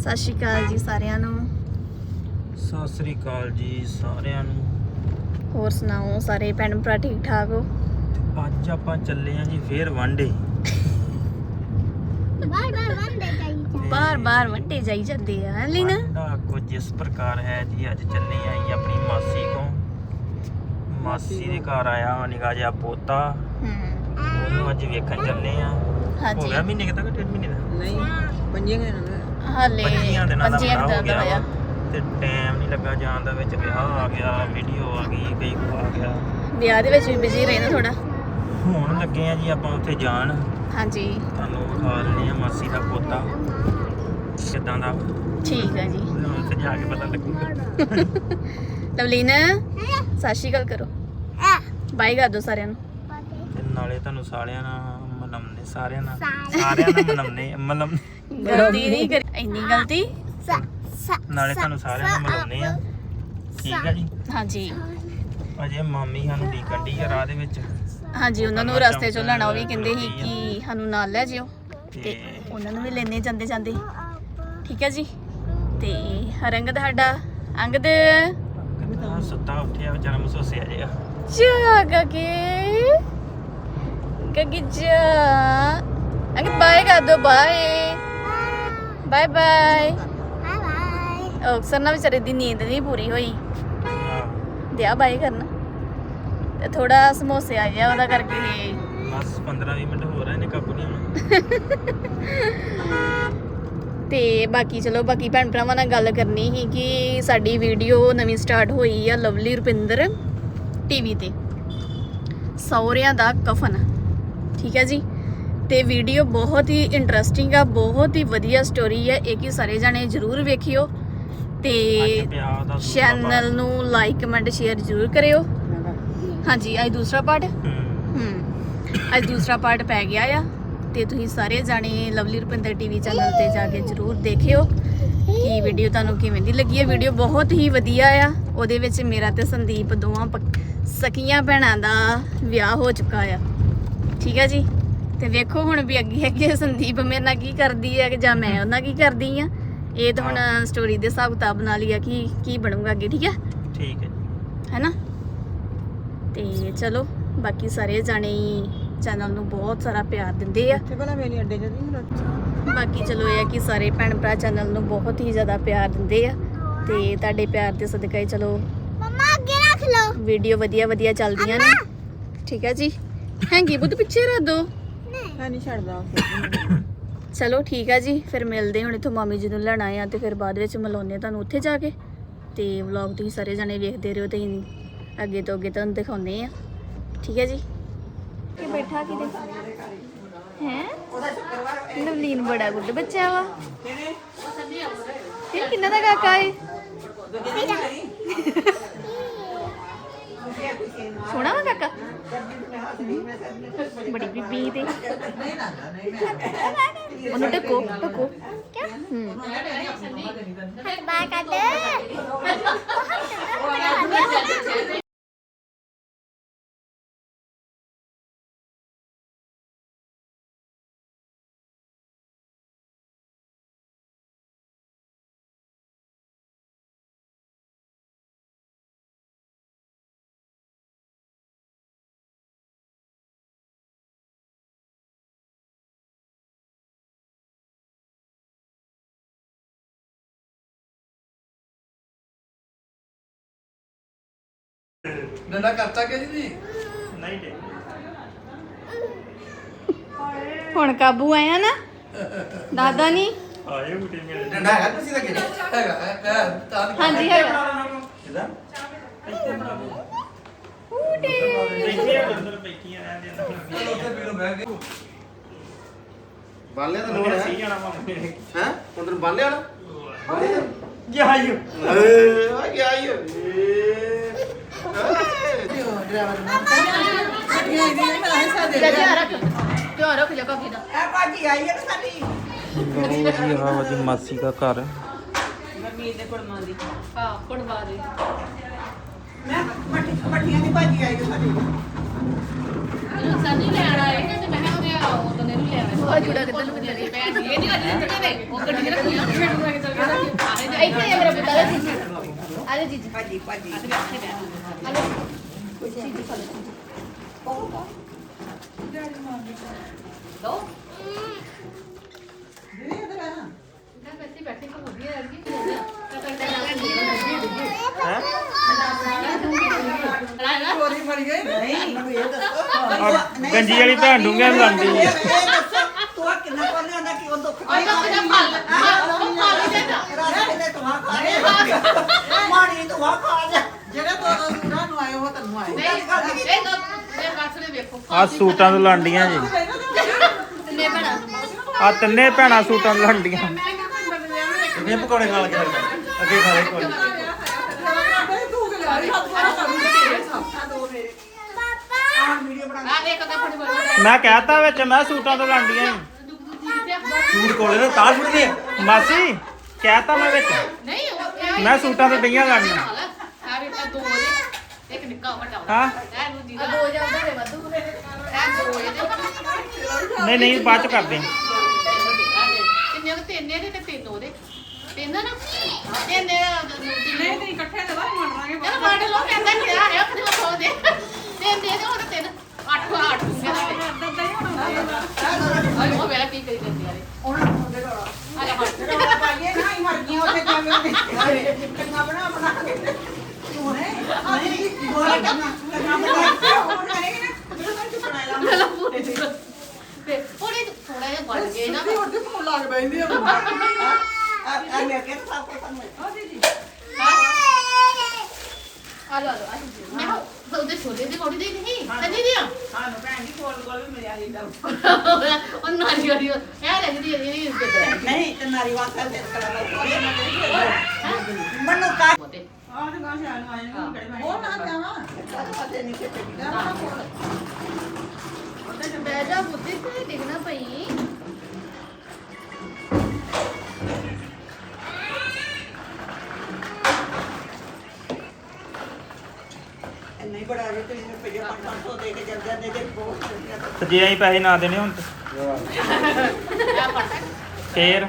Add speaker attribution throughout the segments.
Speaker 1: ਸਤਿ ਸ਼੍ਰੀ ਅਕਾਲ ਜੀ ਸਾਰਿਆਂ ਨੂੰ।
Speaker 2: ਸਤਿ ਸ੍ਰੀ ਅਕਾਲ ਜੀ ਸਾਰਿਆਂ ਨੂੰ।
Speaker 1: ਹੋਰ ਸੁਣਾਓ ਸਾਰੇ ਭੈਣ ਭਰਾ ਠੀਕ ਠਾਕ ਹੋ?
Speaker 2: ਅੱਜ ਆਪਾਂ ਚੱਲੇ ਆਂ ਜੀ ਫੇਰ ਵਾਂਡੇ।
Speaker 1: ਬਾਰ ਵੰਡੇ ਜਾਈ ਜਾਂਦੇ ਆ ਲੀਨਾ।
Speaker 2: ਵਾਂਡਾ ਕੁਝ ਇਸ ਪ੍ਰਕਾਰ ਹੈ ਜੀ। ਅੱਜ ਚੱਲੇ ਆਂ ਆਪਣੀ ਮਾਸੀ ਕੋਲ। ਮਾਸੀ ਦੇ ਘਰ ਆਇਆ ਵਾ ਨਿੱਕਾ ਜਿਹਾ ਪੋਤਾ। ਉਹਨੂੰ ਅੱਜ ਵੇਖਣ ਚੱਲੇ ਆਂ। ਹੋ ਗਿਆ ਮਹੀਨੇ ਤੱਕ, 1.5 ਮਹੀਨੇ ਦਾ
Speaker 3: ਨਹੀਂ 5 ਦਿਨ
Speaker 1: ਹਾਲੇ
Speaker 2: 5 ਦਿਨਾਂ ਦਾ
Speaker 1: ਪੰਜੀਆਂ
Speaker 2: ਹੋ ਗਿਆ
Speaker 1: ਹੋਇਆ।
Speaker 2: ਤੇ ਟਾਈਮ ਨਹੀਂ ਲੱਗਾ ਜਾਣ ਦਾ। ਵਿੱਚ ਵਿਆਹ ਆ ਗਿਆ, ਵੀਡੀਓ ਆ ਗਈ, ਕਈ ਕੁ ਆ ਗਿਆ।
Speaker 1: ਵਿਆਹ ਦੇ ਵਿੱਚ ਵੀ ਬਿਜ਼ੀ ਰਹਿਣਾ ਥੋੜਾ।
Speaker 2: ਹੁਣ ਲੱਗੇ ਆ ਜੀ ਆਪਾਂ ਉੱਥੇ ਜਾਣ।
Speaker 1: ਹਾਂਜੀ
Speaker 2: ਤੁਹਾਨੂੰ ਵਿਖਾ ਲੈਂਦੇ ਆ ਮਾਸੀ ਦਾ ਪੋਤਾ ਕਿੱਦਾਂ ਦਾ।
Speaker 1: ਠੀਕ ਹੈ ਜੀ।
Speaker 2: ਹੁਣ ਉੱਥੇ ਜਾ ਕੇ ਪਤਾ ਲੱਗੂਗਾ।
Speaker 1: ਲਵਲੀਨ ਸਤਿ ਸ਼੍ਰੀ ਅਕਾਲ ਕਰੋ, ਬਾਈ ਕਰ ਦੋ ਸਾਰਿਆਂ ਨੂੰ।
Speaker 2: ਤੇ ਨਾਲੇ ਤੁਹਾਨੂੰ ਸਾਰਿਆਂ ਨਾਲ ਮਨਾਉਂਦੇ, ਸਾਰਿਆਂ ਨਾਲ ਮਨਾਉਂਦੇ
Speaker 1: ਗਲਤੀ ਨਹੀਂ ਕਰੀ, ਇੰਨੀ ਗਲਤੀ।
Speaker 2: ਨਾਲੇ ਤੁਹਾਨੂੰ ਸਾਰਿਆਂ ਨੂੰ ਮਿਲਾਉਂਦੇ ਆ। ਠੀਕ ਆ ਜੀ।
Speaker 1: ਹਾਂਜੀ
Speaker 2: ਅਜੇ ਮਾਮੀ ਸਾਨੂੰ ਡੀਕਣ ਡਈ ਆ ਰਾਹ ਦੇ ਵਿੱਚ।
Speaker 1: ਹਾਂਜੀ ਉਹਨਾਂ ਨੂੰ ਰਸਤੇ ਚੋਂ ਲੈਣਾ। ਉਹ ਵੀ ਕਹਿੰਦੇ ਸੀ ਕਿ ਸਾਨੂੰ ਨਾਲ ਲੈ ਜਿਓ ਤੇ ਉਹਨਾਂ ਨੂੰ ਵੀ ਲੈਣੇ ਜਾਂਦੇ ਜਾਂਦੇ। ਠੀਕ ਹੈ ਜੀ। ਤੇ ਰੰਗਦ ਸਾਡਾ ਅੰਗਦ
Speaker 2: ਸੁੱਤਾ ਉੱਠਿਆ ਵਿਚਾਰਾ ਮਸੋਸਿਆ ਜਿਹਾ।
Speaker 1: ਜਾ ਗੱਗੀ ਜਾ ਅੰਗਦ ਬਾਏ ਕਰ ਦੋ। Bye bye bye. ਅਕਸਰ ਨਾ ਵਿਚਾਰੇ ਦੀ ਨੀਂਦ ਨਹੀਂ ਪੂਰੀ ਹੋਈ। ਦਿਆ ਬਾਏ ਕਰਨਾ ਤੇ ਥੋੜਾ ਸਮੋਸੇ ਆ ਗਿਆ ਉਹਦਾ ਕਰਕੇ।
Speaker 2: ਬਸ 15-20 ਮਿੰਟ ਹੋ ਰਹੇ ਨੇ, ਕਾਬੂ ਨਹੀਂ ਆਉਣਾ।
Speaker 1: ਤੇ ਬਾਕੀ ਚਲੋ ਬਾਕੀ ਭੈਣ ਭਰਾਵਾਂ ਨਾਲ ਗੱਲ ਕਰਨੀ ਸੀ ਕਿ ਸਾਡੀ ਵੀਡੀਓ ਨਵੀਂ ਸਟਾਰਟ ਹੋਈ ਆ ਲਵਲੀ ਰੁਪਿੰਦਰ ਟੀਵੀ ਤੇ, ਸਹੁਰਿਆਂ ਦਾ ਕਫਨ। ਠੀਕ ਹੈ ਜੀ। ਤੇ ਵੀਡੀਓ ਬਹੁਤ ਹੀ ਇੰਟਰਸਟਿੰਗ ਆ, ਬਹੁਤ ਹੀ ਵਧੀਆ ਸਟੋਰੀ ਹੈ। ਇਹ ਕਿ ਸਾਰੇ ਜਾਣੇ ਜ਼ਰੂਰ ਵੇਖਿਓ ਤੇ ਚੈਨਲ ਨੂੰ ਲਾਈਕ ਕਮੈਂਟ ਸ਼ੇਅਰ ਜ਼ਰੂਰ ਕਰਿਓ। ਹਾਂਜੀ ਅੱਜ ਦੂਸਰਾ ਪਾਰਟ ਅੱਜ ਦੂਸਰਾ ਪਾਰਟ ਪੈ ਗਿਆ ਆ ਤੇ ਤੁਸੀਂ ਸਾਰੇ ਜਾਣੇ ਲਵਲੀ ਰੁਪਿੰਦਰ ਟੀਵੀ ਚੈਨਲ ਤੇ ਜਾ ਕੇ ਜ਼ਰੂਰ ਦੇਖਿਓ ਕਿ ਵੀਡੀਓ ਤੁਹਾਨੂੰ ਕਿਵੇਂ ਦੀ ਲੱਗੀ ਹੈ। ਵੀਡੀਓ ਬਹੁਤ ਹੀ ਵਧੀਆ ਆ। ਉਹਦੇ ਵਿੱਚ ਮੇਰਾ ਤੇ ਸੰਦੀਪ ਦੋਵਾਂ ਸਕੀਆਂ ਭੈਣਾਂ ਦਾ ਵਿਆਹ ਹੋ ਚੁੱਕਾ ਆ। ਠੀਕ ਹੈ ਜੀ। ਤੇ ਵੇਖੋ ਹੁਣ ਵੀ ਅੱਗੇ ਅੱਗੇ ਸੰਦੀਪ ਮੇਰੇ ਨਾਲ ਕੀ ਕਰਦੀ ਹੈ ਜਾਂ ਮੈਂ ਉਹਨਾਂ ਕੀ ਕਰਦੀ ਆ। ਇਹ ਤਾਂ ਹੁਣ ਸਟੋਰੀ ਦੇ ਹਿਸਾਬ ਕਿਤਾਬ ਨਾਲ ਹੀ ਆ ਕਿ ਕੀ ਬਣੂਗਾ ਅੱਗੇ। ਠੀਕ ਹੈ।
Speaker 2: ਠੀਕ ਹੈ
Speaker 1: ਹੈਨਾ। ਤੇ ਚਲੋ ਬਾਕੀ ਸਾਰੇ ਜਾਣੇ ਚੈਨਲ ਨੂੰ ਬਹੁਤ ਸਾਰਾ ਪਿਆਰ ਦਿੰਦੇ ਆ। ਬਾਕੀ ਚਲੋ ਇਹ ਆ ਕਿ ਸਾਰੇ ਭੈਣ ਭਰਾ ਚੈਨਲ ਨੂੰ ਬਹੁਤ ਹੀ ਜ਼ਿਆਦਾ ਪਿਆਰ ਦਿੰਦੇ ਆ ਤੇ ਤੁਹਾਡੇ ਪਿਆਰ ਦੇ ਸਦਕਾ ਹੀ ਚਲੋ ਮੰਮਾ ਅੱਗੇ ਰੱਖ ਲਓ ਵੀਡੀਓ ਵਧੀਆ ਚੱਲਦੀਆਂ ਨੇ। ਠੀਕ ਹੈ ਜੀ। ਹੈਂਗੀ ਬੁੱਧ ਪਿੱਛੇ ਰੱਖ ਦੋ।
Speaker 3: ਨਹੀਂ ਛੱਡਦਾ।
Speaker 1: ਚਲੋ ਠੀਕ ਹੈ ਜੀ। ਫਿਰ ਮਿਲਦੇ ਹੁਣ ਇੱਥੋਂ ਮਾਮੀ ਜੀ ਨੂੰ ਲੈਣਾ ਆ ਤੇ ਫਿਰ ਬਾਅਦ ਵਿੱਚ ਮਿਲਾਉਂਦੇ ਤੁਹਾਨੂੰ ਉੱਥੇ ਜਾ ਕੇ। ਤੇ ਵਲੌਗ ਤੁਸੀਂ ਸਾਰੇ ਜਾਣੇ ਵੇਖਦੇ ਰਹੋ ਤੇ ਅੱਗੇ ਤੋਂ ਅੱਗੇ ਤੁਹਾਨੂੰ ਦਿਖਾਉਂਦੇ ਆ। ਠੀਕ ਹੈ ਜੀ। ਕਿ ਬੈਠਾ ਕਿਤੇ ਹੈ ਨਵਲੀਨ ਬੜਾ ਗੁੱਡ ਬੱਚਾ ਵਾ। ਇਹ ਕਿੰਨਾ ਦਾ ਕਾਕਾ ਹੈ? ਸੋਹਣਾ ਵਾ ਕਾਕਾ। ਬੜੀ ਬੀਬੀ ਤੇ ਉਹਨੂੰ ਟਕੋ ਕਿਆ ਬਾਏ ਕਰ ਦੇ।
Speaker 4: ਡੰਡਾ ਕਰਤਾ ਕਿ ਜੀ?
Speaker 2: ਨਹੀਂ ਜੀ।
Speaker 1: ਹੁਣ ਕਾਬੂ ਆਇਆ ਨਾ ਦਾਦਾ ਨਹੀਂ
Speaker 2: ਆਏ ਬੁੱਢੇ ਮੇਰੇ
Speaker 4: ਡੰਡਾ ਹੈਗਾ ਤੁਸੀਂ ਦਾ ਕਿਹੜਾ ਹੈਗਾ ਤਾਂ
Speaker 1: ਹਾਂਜੀ ਹੈਗਾ।
Speaker 2: ਕਿਦਾਂ
Speaker 1: ਉਡੇ
Speaker 2: ਬੈਠੇ ਆ ਅੰਦਰ ਬੈਠੀਆਂ ਰਹਿੰਦੇ ਅੰਦਰ।
Speaker 4: ਉੱਥੇ ਪੀਲੋ ਬਹਿ ਗਏ ਬਾਲਿਆ ਤਾਂ ਲੋੜ
Speaker 2: ਸਹੀ
Speaker 4: ਹੈ
Speaker 2: ਜਾਣਾ ਮਾਮੇ
Speaker 4: ਹੈ ਉਧਰ ਬਾਲਿਆ ਵਾਲਾ
Speaker 2: ਜਾਈਓ।
Speaker 4: ਆ ਗਿਆ ਆਇਓ ਡਰਾਈਵਰ
Speaker 1: ਧਿਆਨ ਰੱਖ ਜਾ ਕਾਕੀ ਦਾ।
Speaker 2: ਲਓ ਜੀ ਮਾਸੀ ਦਾ ਘਰ।
Speaker 1: ਹਾਂ ਪੜਵਾ ਦੇ।
Speaker 3: ਪੱਟੀਆਂ ਦੀ ਭਾਜੀ ਆਈ ਸਾਡੀ।
Speaker 1: ਸਾਨੀ ਲੈਣ ਆਏ ਤੇ ਮੈਂ ਉਹਦੇ ਉਹ ਤਾਂ ਨਹੀਂ ਲਿਆ। ਉਹ ਜੁੜਾ ਕਿੱਦਾਂ ਨੂੰ ਕਿੱਦਾਂ ਦੀ ਭੈਣ ਜੀ ਇਹ ਨਹੀਂ ਅੱਜ ਦੇ ਉਹ ਗੱਡੀ ਰੱਖੀ ਆ। ਇੱਥੇ ਆ ਮੇਰਾ ਪੁੱਤ ਆ ਜੀ ਆ ਜੀ ਜੀ
Speaker 3: ਭਾਜੀ ਭਾਜੀ
Speaker 1: ਆ ਲਓ ਜੀ ਖਾ ਲਓ ਦੋ
Speaker 3: ਦੀਦੀ ਇਧਰ ਆ
Speaker 1: ਮੈਂ ਬੈਠੀ ਬੈਠੀ ਕੋ ਵਧੀਆ ਲੱਗੀ
Speaker 3: ਚੋਰੀ ਮਰ ਗਈ ਨਹੀਂ ਮੈਨੂੰ ਇਹ ਦੱਸੋ
Speaker 2: ਗੰਜੀ ਵਾਲੀ ਭੈਣ ਡੂੰਘਿਆਂ ਨੂੰ ਲਾਉਂਦੀ ਹੈ।
Speaker 3: ਇਹ ਦੱਸੋ ਤੂੰ ਕਿੰਨਾ ਕੋਲ ਲਿਆਂਦਾ ਕਿ ਉਹ ਦੁੱਖ
Speaker 1: ਉਹ ਤਾਂ ਕਿਹਦਾ ਫਲ ਫਲ ਦੇਦਾ
Speaker 3: ਰਾਜੇ ਨੇ ਤੁਹਾ ਖਾ ਲਿਆ ਮਾਣੀ ਤੁਹਾ ਖਾ ਲਿਆ ਜਿਹੜੇ ਦੋ ਸੂਰਾਂ ਨੂੰ ਆਏ ਉਹ ਤੈਨੂੰ ਆਏ
Speaker 1: ਨਹੀਂ ਇਹ ਤਾਂ ਇਹ ਬਾਕਸ ਨੇ ਵੇਖੋ
Speaker 2: ਆ ਸੂਟਾਂ ਤੋਂ ਲਾਂਡੀਆਂ ਜੀ
Speaker 1: ਨੇ ਬਣਾ
Speaker 2: ਆ ਤਿੰਨੇ ਭੈਣਾਂ ਸੂਟਾਂ ਤੋਂ ਲਾਂਡੀਆਂ
Speaker 4: ਇਹ ਪਕੌੜੇ ਖਾ ਕੇ ਅੱਗੇ ਖਾ ਲੈ ਕੋਈ
Speaker 1: ਆ ਇੱਕ ਤਾਂ ਫੜ ਫੜ
Speaker 2: ਮੈਂ ਕਹਿਤਾ ਵਿੱਚ ਮੈਂ ਸੂਟਾਂ ਤੋਂ ਲਾਂਡੀਆਂ
Speaker 4: ਸੂਟ ਕੋਲੇ ਨਾ ਤਾਂ ਛੁੱਟਦੇ ਆ
Speaker 2: ਮਾਸੀ ਕਹਿਤਾ ਮੈਂ ਵਿੱਚ
Speaker 1: ਨਹੀਂ ਉਹ
Speaker 2: ਮੈਂ ਸੂਟਾਂ ਤੋਂ ਡਈਆਂ ਲਾਂਡੀਆਂ
Speaker 1: ਆ ਵੀ ਦੋ ਦੇ ਇੱਕ ਨਿੱਕਾ ਵੱਡਾ
Speaker 2: ਹਾਂ
Speaker 1: ਇਹ ਨੂੰ ਦੀ ਦੋ ਜਾਂਦਾ ਰੇ ਵਾਧੂ ਇਹ ਦੋ ਇਹਦੇ
Speaker 2: ਨਹੀਂ ਬਾਅਦ ਚ ਕਰਦੇ
Speaker 1: ਕਿੰਨੇ ਉਹ ਤਿੰਨ ਇਹਦੇ ਤੇ ਤਿੰਨ ਉਹਦੇ ਤਿੰਨ ਨਾ ਤਿੰਨ ਨਹੀਂ ਤੇ ਇਕੱਠੇ ਦੇ ਬਾਅਦ ਮੰਨ ਲਾਂਗੇ ਚਲੋ ਮੰਨ ਲਓ ਕਹਿੰਦਾ ਕਿਹਾ ਹੈ ਆਪਣੇ ਕੋਲ ਦੇ ਤਿੰਨ ਦੇ ਦੇ ਹੁਣ ਤਿੰਨ ਅੱਠ ਅੱਠ ਦੂੰਗੇ ਆਈ ਉਹ ਮੇਰਾ ਕੀ ਕਰੀ ਜਾਂਦੀ ਯਾਰੇ ਆ ਜਾ ਹਟ
Speaker 3: ਪਾਈਏ ਨਾ ਹੀ ਮਰ ਗਈਆਂ ਉੱਥੇ ਜਾਵੇਂ ਕੰਨਾ ਬਣਾ ਕੇ ਤੂੰ ਨੇ ਆ ਜੀ ਬੋਲ ਕਰਨਾ ਬਣਾ ਕੇ ਉਹ ਬਣਾਏਗੀ ਨਾ ਜਦੋਂ ਤੱਕ ਬਣਾਇਆ
Speaker 1: ਤੇ ਥੋੜੇ ਥੋੜਾ ਜਿਹਾ ਬਣ ਗਏ ਨਾ
Speaker 3: ਉਹ ਤੇ ਫੋਨ ਲੱਗ ਬੈਂਦੀ ਆ ਆ ਮੈਂ ਕਿਹਾ ਸਭ ਕੁਝ ਕਰਨਾ
Speaker 1: ਆ ਲੋ ਮੈਂ ਉਹਦੇ ਛੋਲੇ ਦੇ ਕੋੜੀ ਦੇ ਨਹੀਂ ਕੰਨੀ ਦੀਆਂ
Speaker 3: ਸਾਨੂੰ ਭੈਣ ਜੀ ਕੋਲ ਵੀ ਮਿਲਿਆ ਸੀ ਤਾਂ
Speaker 1: ਉਹ ਨਾਰੀ ਵਾਲੀ ਇਹ ਲੱਗਦੀ ਹੈ ਇਹ ਇੱਜ਼ਤ
Speaker 3: ਨਹੀਂ ਤੇ ਨਾਰੀ ਵਾਸਤੇ ਤੇ ਕਰਾ ਮਨੂ ਕਾ
Speaker 1: ਮੋਤੇ
Speaker 3: ਆਹ ਤੇ ਗਾਂ ਸ਼ਾਨ ਆਏ ਨੂੰ ਕਿਹੜੇ ਮੈਂ ਉਹ ਨਾ ਜਾਵਾ ਪਤਾ ਨਹੀਂ ਕਿੱਥੇ ਗਿਆ
Speaker 1: ਬਹਿ ਜਾ ਬੁੱਧੀ ਤੇ ਡਿੱਗਣਾ ਪਈ
Speaker 3: ਨਹੀਂ ਬੜਾ ਜੇ ਤੇ ਇਹਨੂੰ ਪਈਏ 500 ਦੇ ਕੇ ਜਲ ਜਾਂਦੇ ਤੇ ਬਹੁਤ
Speaker 2: ਤੇ ਜੇ ਅਸੀਂ ਪੈਸੇ ਨਾ ਦੇਣੇ ਹੁਣ
Speaker 1: ਆ ਪਟਕ
Speaker 2: ਫੇਰ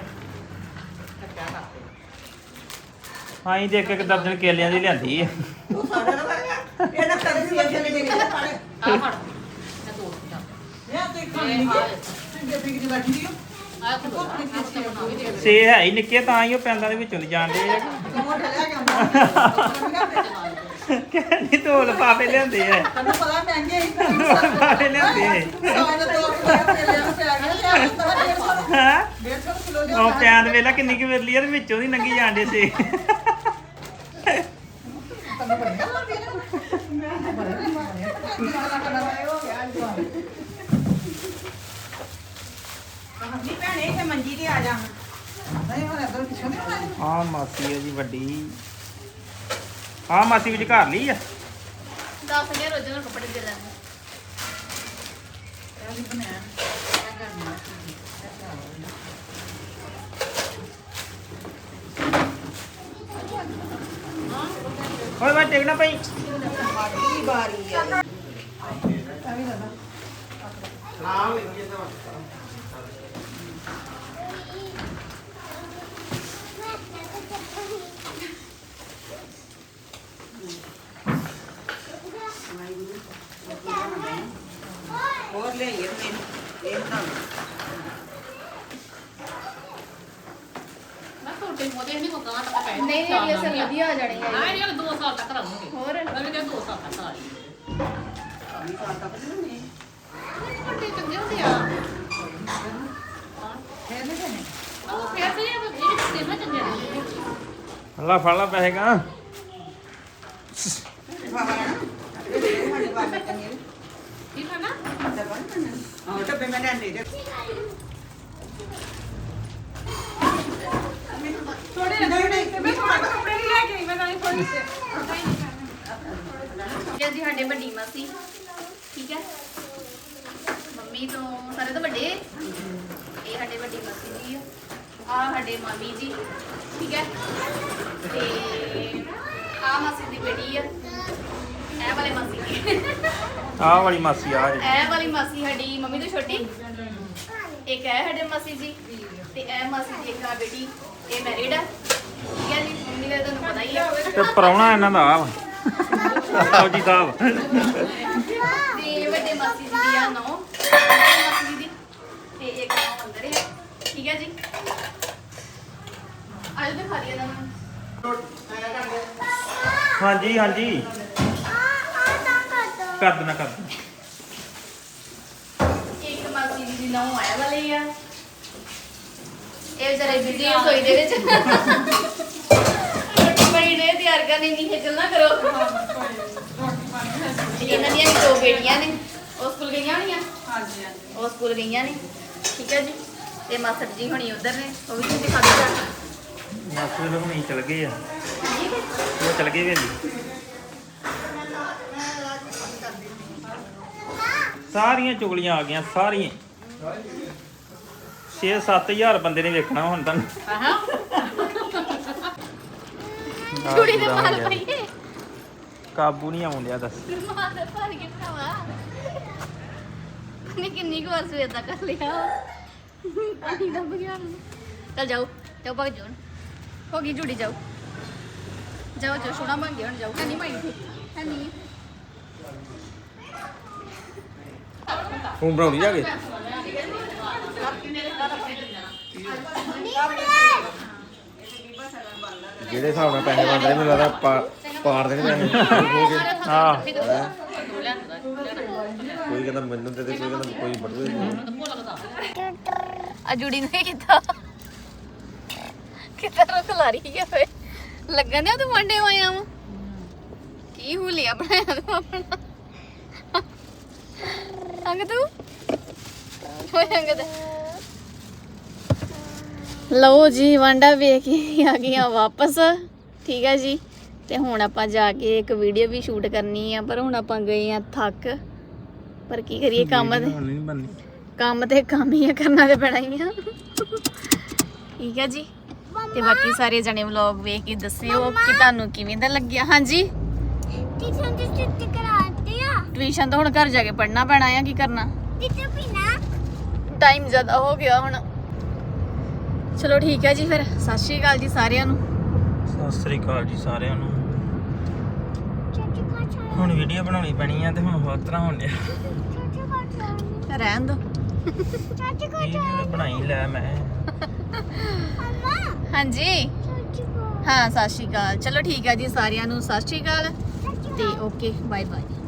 Speaker 2: ਅਸੀਂ ਦੇਖ ਇੱਕ ਦਰਜਨ ਕੇਲਿਆਂ ਦੀ ਲਿਆਂਦੀ ਹੈ
Speaker 3: ਉਹ ਸਾਡਾ ਨਾ ਵਰਗਾ ਇਹ ਨਾ ਕਦੇ ਸੀ ਅਜੇ ਨਹੀਂ ਦੇਖਿਆ ਪਾੜੇ
Speaker 1: ਆ ਫੜ ਇਹ ਦੋ ਦਾ
Speaker 3: ਇਹ ਤੇ ਖਾਣੀ ਨਹੀਂ ਕਿ ਬਿਗ ਦੀ ਬੈਠੀ ਹੋ
Speaker 1: ਆ ਖੋ ਬਣਾ ਵੀ ਦੇ
Speaker 2: ਸੇ ਹੈ ਹੀ ਨਿੱਕੇ ਤਾਂ ਹੀ ਉਹ ਪੈਂਦਾਂ ਦੇ ਵਿੱਚੋਂ ਦੀ ਜਾਂਦੇ ਆ
Speaker 3: ਮੋਟਾ ਲਿਆ ਕੇ ਆਉਂਦਾ
Speaker 2: ਕਹਿੰਦੀ ਦੋ ਲਫਾਫੇ ਲਿਆਂਦੇ ਆ
Speaker 3: ਤੈਨੂੰ ਪਤਾ ਮਹਿੰਗੇ ਹੀ
Speaker 2: ਲਫਾਫੇ ਲਿਆਂਦੇ
Speaker 3: ਸਾਡਾ 2 ਕਿਲੋ ਤੇ ਲਿਆ ਪਿਆ ਗਿਆ 150
Speaker 2: ਹਾਂ
Speaker 3: 150 ਕਿਲੋ ਲਿਆ
Speaker 2: ਉਹ ਪੈਂਦ ਵੇਲਾ ਕਿੰਨੀ ਕਿ ਵਿਰਲੀ ਆ ਤੇ ਵਿੱਚੋਂ ਦੀ ਲੰਗੀ ਜਾਂਦੇ ਸੇ
Speaker 3: ਤੈਨੂੰ ਬੜਾ ਲੱਗਦੀ ਨਾ ਮੈਂ ਬੜਾ ਮਾਰਿਆ ਹੋ ਗਿਆ ਨਹੀਂ ਭੈਣੇ ਤੇ ਮੰਜੀ ਤੇ ਆ ਜਾ ਨਹੀਂ ਹੁਣ ਅਦਰ ਪਿੱਛੋਂ ਨਹੀਂ ਆਉਣਾ
Speaker 2: ਆ ਮਾਸੀ ਹੈ ਜੀ ਵੱਡੀ ਆ ਮਾਸੀ ਵਿੱਚ ਘਰ ਲਈ ਆ
Speaker 1: 10000 ਰੋਜ਼ਾਨਾ ਨੂੰ ਕੱਪੜੇ ਦੇ ਲੈਣੇ
Speaker 3: ਇਹ ਬਣਾਇਆ ਇਹ ਕਰਨਾ
Speaker 2: ਓਏ ਮੈਂ ਟਿਕਣਾ ਪਈ
Speaker 3: ਮਾੜੀ ਬਾਰੀ ਆ
Speaker 4: ਨਾਮ ਲਿਖੀਏ ਤਾਂ
Speaker 3: ਹੋਰ ਲੈ ਇਹ ਮੈਨੂੰ ਇਹ ਤਾਂ
Speaker 1: ਮੈਂ ਤੁਹਾਡੇ ਮੋਦੇ ਨਹੀਂ ਮੁਕਾਨ ਤੱਕ ਪੈ
Speaker 5: ਨਹੀਂ ਨਹੀਂ ਇਹ ਸਭ ਵਧੀਆ ਆ ਜਾਣੀ ਹੈ
Speaker 1: ਹਾਂ ਇਹ 2 ਸਾਲ ਤੱਕ ਰਹੂਗੇ
Speaker 5: ਹੋਰ
Speaker 1: ਅਗਲੇ ਕਹਿੰਦੇ 2 ਸਾਲ ਤੱਕ ਆ ਜਾਣੀ
Speaker 3: ਸਾਲ ਤੱਕ ਨਹੀਂ
Speaker 1: ਵੱਡੇ ਚੰਗੇ ਹੁੰਦੇ ਆ
Speaker 3: ਫੇਰ ਨਹੀਂ ਦੇਣੇ
Speaker 1: ਉਹ ਫੇਰ ਤੇ ਇਹ ਵੀ ਦੇਣਾ ਚੰਗੇ ਨੇ
Speaker 2: ਅੱਲਾ ਫੜ ਲਾ ਪੈਸੇ ਗਾ
Speaker 1: ਠੀਕ ਹੈ ਨਾ
Speaker 3: ਡੱਬੇ ਮੈਂ ਲੈਣ ਦੇ ਦੇ ਥੋੜੇ ਨਹੀਂ ਮੈਂ ਤੁਹਾਡੇ ਕੱਪੜੇ ਨਹੀਂ ਲੈ ਕੇ ਆਈ ਮੈਂ ਤਾਂ ਥੋੜੀ
Speaker 5: ਇਹ ਜੀ ਸਾਡੇ ਵੱਡੀ ਮਾਸੀ ਠੀਕ ਹੈ ਮੰਮੀ ਤੋਂ ਸਾਰੇ ਤੋਂ ਵੱਡੇ ਇਹ ਸਾਡੇ ਵੱਡੀ ਮਾਸੀ ਜੀ ਆ ਸਾਡੇ ਮਾਮੀ ਜੀ ਠੀਕ ਹੈ ਤੇ ਆ ਮਾਸੀ ਦੀ ਬੇਟੀ ਆ ਇਹ ਵਾਲੇ ਮਾਸੀ
Speaker 2: ਆਹ ਵਾਲੀ ਮਾਸੀ ਆ ਜੀ
Speaker 5: ਇਹ ਵਾਲੀ ਮਾਸੀ ਸਾਡੀ ਮੰਮੀ ਤੋਂ ਛੋਟੀ, ਇੱਕ ਇਹ ਸਾਡੇ ਮਾਸੀ ਜੀ, ਤੇ ਇਹ ਮਾਸੀ ਦੀ ਇੱਕ ਆ ਬੇਟੀ, ਇਹ ਮੈਰਿਡ ਆ। ਠੀਕ ਹੈ ਜੀ, ਮੰਮੀ ਦਾ ਤੁਹਾਨੂੰ ਪਤਾ ਹੀ ਆ।
Speaker 2: ਤੇ ਪ੍ਰਾਹੁਣਾ ਇਹਨਾਂ ਦਾ ਆ ਫੌਜੀ ਸਾਹਿਬ।
Speaker 5: ਤੇ ਵੱਡੇ ਮਾਸੀ ਜੀ ਦੀ ਆ ਨੌ, ਮਾਸੀ ਜੀ ਦੀ, ਤੇ ਇੱਕ ਨੌ ਅੰਦਰ ਹੈ। ਠੀਕ ਹੈ ਜੀ, ਅੱਜ ਦਿਖਾ ਦਿਆ ਤੁਹਾਨੂੰ।
Speaker 2: ਹਾਂਜੀ ਹਾਂਜੀ ਕਰ ਦੇਣਾ ਕਰ ਦੇਣਾ।
Speaker 5: ਇੱਕ ਮਾਸੀ ਜੀ ਦੀ ਨੌ ਆਇਆ ਵਾਲੀ ਆ, ਇਹ ਵਿਚਾਰੇ ਬਿਜ਼ੀ ਰਸੋਈ ਦੇ ਵਿੱਚ ਰੋਟੀ ਪਾਣੀ ਨੇ ਤਿਆਰ ਕਰਨੀ, ਨਹੀਂ ਖੇਚਲ ਨਾ ਕਰੋ। ਇਹਨਾਂ ਦੀਆਂ ਵੀ ਦੋ ਬੇਟੀਆਂ ਨੇ, ਉਹ ਸਕੂਲ ਗਈਆਂ ਹੋਣੀਆਂ।
Speaker 3: ਹਾਂਜੀ ਹਾਂਜੀ
Speaker 5: ਉਹ ਸਕੂਲ ਗਈਆਂ ਨੇ। ਠੀਕ ਹੈ ਜੀ, ਤੇ ਮਾਸਟਰ ਜੀ ਹੁਣੀ ਉਧਰ ਨੇ, ਉਹ ਵੀ ਤੁਸੀਂ ਦਿਖਾ ਦਿਓ।
Speaker 2: ਮਾਸੀ ਦੇ ਹੁਣੀ ਚਲ ਗਏ ਆ, ਉਹ ਚਲ ਗਏ ਵੇਲੀ। ਸਾਰੀਆਂ ਚੁਗਲੀਆਂ ਆ ਗਈਆਂ ਸਾਰੀਆਂ। 6-7 ਬੰਦੇ ਨੇ ਵੇਖਣਾ ਹੁਣ ਤਾਂ।
Speaker 5: ਕੁੜੀ ਦੇ ਮਾਲ ਪਈਏ,
Speaker 2: ਕਾਬੂ ਨਹੀਂ ਆਉਂਦਿਆ ਦੱਸ।
Speaker 5: ਮਾਲ ਦੇ ਭਰ ਕੇ ਭਰਾਵਾ ਨੇ ਕਿੰਨੀ ਕੁ ਵਾਰ ਸਵੇਰ ਦਾ ਕਰ ਲਿਆ ਪਾਣੀ ਦਾ ਬਗਿਆੜ। ਚੱਲ ਜਾਓ ਜਾਓ, ਭਗ ਜਾਓ, ਹੋ ਗਈ ਜੁੜੀ, ਜਾਓ ਜਾਓ ਜਾਓ, ਸੋਹਣਾ ਬਣ ਗਿਆ ਹੁਣ, ਜਾਓ। ਹੈ ਨਹੀਂ ਮਾਈ ਹੈ ਨਹੀਂ
Speaker 4: ਤੂੰ ਬਣਾਉਣੀ ਜਾ ਕੇ ਜਿਹੜੇ ਹਿਸਾਬ ਨਾਲ ਪੈਸੇ ਬਣਦੇ ਨੇ ਮੈਨੂੰ ਲੱਗਦਾ ਪਾੜ ਦੇਣੇ ਪੈਸੇ
Speaker 2: ਹਾਂ
Speaker 4: ਕੋਈ ਕਹਿੰਦਾ ਮੈਨੂੰ ਦੇ ਦੇ, ਕੋਈ ਕਹਿੰਦਾ ਕੋਈ ਬਟੂਏ ਦੇ।
Speaker 5: ਆ ਜੁੜੀ ਨੇ ਕੀਤਾ ਕਿਤਾ ਰੁਕ ਲਾ ਰਹੀ ਹੈ ਵੇ, ਲੱਗਣ ਦਿਆ ਤੂੰ ਮੰਡੇ ਆਇਆ ਵਾ। ਕੀ ਹੁਲੀਆ ਬਣਾਇਆ ਤੂੰ ਆਪਣਾ ਅੰਗ ਤੂੰ ਹੋਏ ਅੰਗ ਦਾ। ਲਓ ਜੀ, ਵਾਂਡਾ ਵੇਖ ਕੇ ਆ ਗਈਆਂ ਵਾਪਸ। ਠੀਕ ਹੈ ਜੀ, ਤੇ ਹੁਣ ਆਪਾਂ ਜਾ ਕੇ ਇੱਕ ਵੀਡੀਓ ਵੀ ਸ਼ੂਟ ਕਰਨੀ ਆ, ਪਰ ਹੁਣ ਆਪਾਂ ਗਏ ਆ ਥੱਕ। ਪਰ ਕੀ ਕਰੀਏ, ਕੰਮ ਤੇ ਕੰਮ ਹੀ ਆ, ਕਰਨਾ ਤੇ ਪੈਣਾ ਹੀ ਆ। ਠੀਕ ਹੈ ਜੀ, ਤੇ ਬਾਕੀ ਸਾਰੇ ਜਣੇ ਵਲੌਗ ਵੇਖ ਕੇ ਦੱਸਿਓ ਕਿ ਤੁਹਾਨੂੰ ਕਿਵੇਂ ਦਾ ਲੱਗਿਆ। ਹਾਂਜੀ, ਟਿਊਸ਼ਨ ਤਾਂ ਹੁਣ ਘਰ ਜਾ ਕੇ ਪੜ੍ਹਨਾ ਪੈਣਾ ਆ, ਕੀ ਕਰਨਾ, ਟਾਈਮ ਜ਼ਿਆਦਾ ਹੋ ਗਿਆ ਹੁਣ। ਚਲੋ ਠੀਕ ਹੈ ਜੀ, ਫਿਰ ਸਤਿ ਸ਼੍ਰੀ ਅਕਾਲ ਜੀ ਸਾਰਿਆਂ ਨੂੰ।
Speaker 2: ਸਤਿ ਸ੍ਰੀ ਅਕਾਲ ਜੀ ਸਾਰਿਆਂ ਨੂੰ। ਹੁਣ ਵੀਡੀਓ ਬਣਾਉਣੀ ਪੈਣੀ ਆ, ਤੇ ਹੁਣ ਹੋਰ ਤਰ੍ਹਾਂ ਹੋਣ ਡਿਆ।
Speaker 5: ਰਹਿਣ ਦੋ।
Speaker 2: ਵੀਡੀਓ ਬਣਾਈ ਲੈ ਮੈਂ।
Speaker 5: ਹਾਂਜੀ ਹਾਂ, ਸਤਿ ਸ਼੍ਰੀ ਅਕਾਲ। ਚਲੋ ਠੀਕ ਹੈ ਜੀ, ਸਾਰਿਆਂ ਨੂੰ ਸਤਿ ਸ਼੍ਰੀ ਅਕਾਲ, ਤੇ ਓਕੇ ਬਾਏ ਬਾਏ।